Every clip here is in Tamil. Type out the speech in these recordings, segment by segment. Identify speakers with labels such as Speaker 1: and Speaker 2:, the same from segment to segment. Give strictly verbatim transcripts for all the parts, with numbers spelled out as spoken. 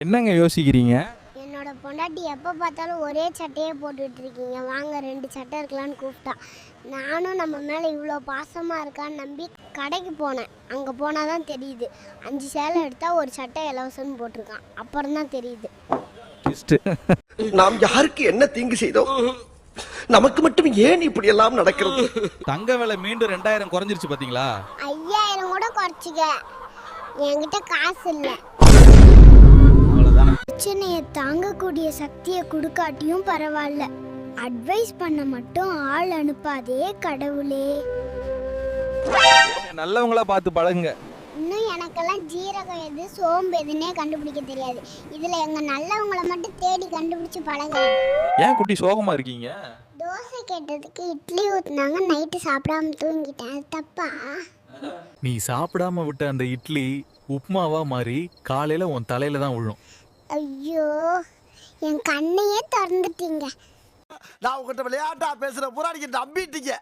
Speaker 1: என்னங்க யோசிக்கிறீங்க?
Speaker 2: என்னோட பொண்டாட்டி எப்போ பார்த்தாலும் ஒரே சட்டையே போட்டுட்டு இருக்கீங்க, வாங்க ரெண்டு சட்டை இருக்கலான்னு கூப்பிட்டா. நானும் நம்ம மேலே இவ்வளோ பாசமாக இருக்கான்னு நம்பி கடைக்கு போனேன். அங்கே போனால் தான் தெரியுது, அஞ்சு சேலை எடுத்தால் ஒரு சட்டை இலவசம்னு போட்டிருக்கான். அப்புறம் தான் தெரியுது.
Speaker 3: நாம் யாருக்கு என்ன தீங்கு செய்தோம்? நமக்கு மட்டும் ஏன் இப்படி எல்லாம் நடக்கிறது?
Speaker 1: தங்க விலை மீண்டும் ரெண்டாயிரம் குறைஞ்சிருச்சு பாத்தீங்களா?
Speaker 2: ஐயாயிரம் கூட குறைச்சிக்க, என்கிட்ட காசு இல்லை. பிரச்சனையை தாங்கக்கூடிய சக்தியை கொடுக்காட்டியும் பரவாயில்ல, அட்வைஸ் பண்ண மட்டும் ஆள் அனுப்பாதே கடவுளே.
Speaker 1: நல்லவங்களா பார்த்து பழகுங்க.
Speaker 2: இன்னும் எனக்கெல்லாம் ஜீரகம் எது சோம்பு எதுன்னே கண்டுபிடிக்க தெரியாது. இதுல எங்க நல்லவங்களை மட்டும் தேடி கண்டுபிடிச்சு பழகலாம்.
Speaker 1: ஏன் குட்டி சோகமா இருக்கீங்க?
Speaker 2: தோசை கேட்டதுக்கு இட்லி ஊத்துனாங்க, நைட்டு சாப்பிடாம தூங்கிட்டேன். அது தப்பா?
Speaker 4: நீ சாப்பிடாம விட்ட அந்த இட்லி உப்மாவா மாறி காலையில உன் தலையில தான் விழும்.
Speaker 2: ஐயோ, என் கண்ணையே திறந்துட்டீங்க.
Speaker 3: நான் உங்ககிட்ட விளையாட்டா பேசுற புறாடிக்கு நம்பிட்டீங்க.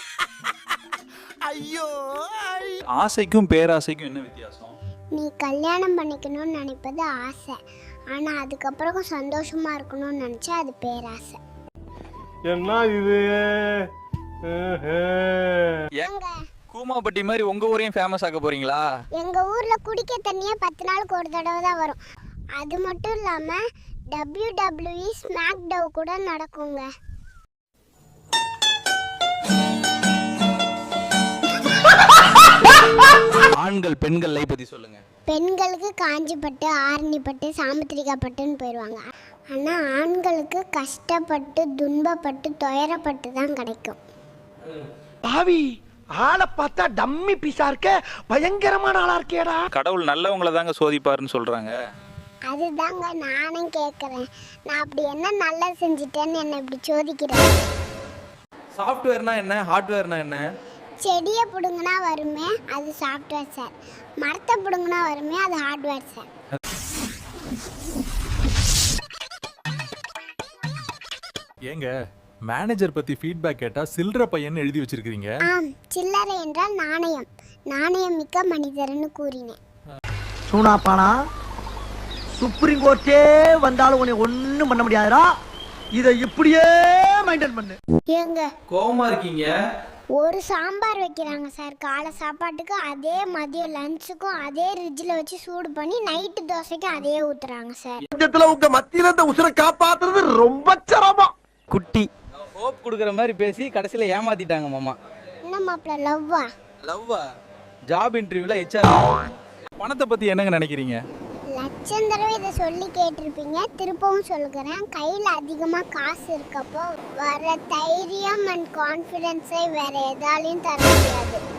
Speaker 3: ஐயோ,
Speaker 1: ஆசைக்கும் பேராசைக்கும் என்ன வித்தியாசம்?
Speaker 2: நீ கல்யாணம் பண்ணிக்கணும்னு நினைப்பது ஆசை, ஆனா அதுக்கப்புறம் சந்தோஷமா இருக்கணும்னு நினைச்சா அது பேராசை.
Speaker 5: என்ன இது?
Speaker 2: எங்க
Speaker 1: கூமாப்பட்டி மாதிரி உங்க ஊரையும் ஃபேமஸ் ஆக்க போறீங்களா?
Speaker 2: எங்க ஊர்ல குடிக்க தண்ணியே பத்து நாளுக்கு ஒரு தடவை தான் வரும். அது மட்டும் இல்லாம W W E SmackDown கூட நடக்குங்க.
Speaker 1: ஆண்கள் பெண்கள் லைஃப் பத்தி சொல்லுங்க.
Speaker 2: பெண்களுக்கு காஞ்சிப்பட்டு ஆரணிப்பட்டு சாமுத்திரிகாப்பட்டுன்னு போயிடுவாங்க. ஆனால் ஆண்களுக்கு கஷ்டப்பட்டு துன்பப்பட்டு துயரப்பட்டு தான் கிடைக்கும்.
Speaker 3: பாவி ஆளை பார்த்தா டம்மி பீஸா இருக்க, பயங்கரமான ஆளா இருக்கேடா.
Speaker 1: கடவுள் நல்லவங்கள தாங்க சோதிப்பாருன்னு சொல்றாங்க.
Speaker 2: அதுதாங்க நானும் கேட்குறேன். நான் அப்படி என்ன நல்லா செஞ்சுட்டேன்னு என்னை இப்படி சோதிக்கிறேன்.
Speaker 1: சாஃப்ட்வேர்னா என்ன, ஹார்ட்வேர்னா என்ன?
Speaker 2: செடியை பிடுங்கினா வருமே அது சாஃப்ட்வேர் சார், மரத்தை பிடுங்கினா வருமே அது ஹார்ட்வேர் சார்.
Speaker 4: ஏங்க மேனேஜர் பத்தி ஃபீட்பேக் கேட்டா சில்லற பையன் எழுதி வச்சிருக்கீங்க.
Speaker 2: ஆம், சில்லறை என்றால் நாணயம், நாணயம் மிக்க மனிதர்னு கூறினேன்.
Speaker 3: சூனாப்பானா சுப்ரீம் கோர்ட்டே வந்தாலும் உன்னை ஒண்ணும் பண்ண முடியாதுடா. இதை இப்படியே மெயின்டைன் பண்ணு.
Speaker 2: ஏங்க
Speaker 1: கோவமா இருக்கீங்க?
Speaker 2: ஒரு சாம்பார் வைக்கிறாங்க சார் காலை சாப்பாட்டுக்கு, அதே மதியம் லஞ்சுக்கும் அதே ஃப்ரிட்ஜில் வச்சு சூடு பண்ணி நைட்டு தோசைக்கும் அதே ஊத்துறாங்க சார்.
Speaker 3: பட்சத்துல உங்க மத்தியில இந்த உசுரை காப்பாத்துறது ரொம்ப சிரமம்.
Speaker 1: குட்டி ஹோப் கொடுக்குற மாதிரி பேசி கடைசியில் ஏமாத்திட்டாங்க மாமா.
Speaker 2: என்ன மாப்பிள்ள, லவ்வா?
Speaker 1: லவ்வா? ஜாப் இன்டர்வியூல ஹெச்ஆர். பணத்தை பத்தி என்னங்க நினைக்கிறீங்க?
Speaker 2: லட்சம் தடவை இதை சொல்லி கேட்டிருப்பீங்க, திருப்பவும் சொல்லுகிறேன். கையில் அதிகமாக காசு இருக்கப்போ வர தைரியம் அண்ட் கான்ஃபிடென்ஸை வேற எதாலையும் தர முடியாது.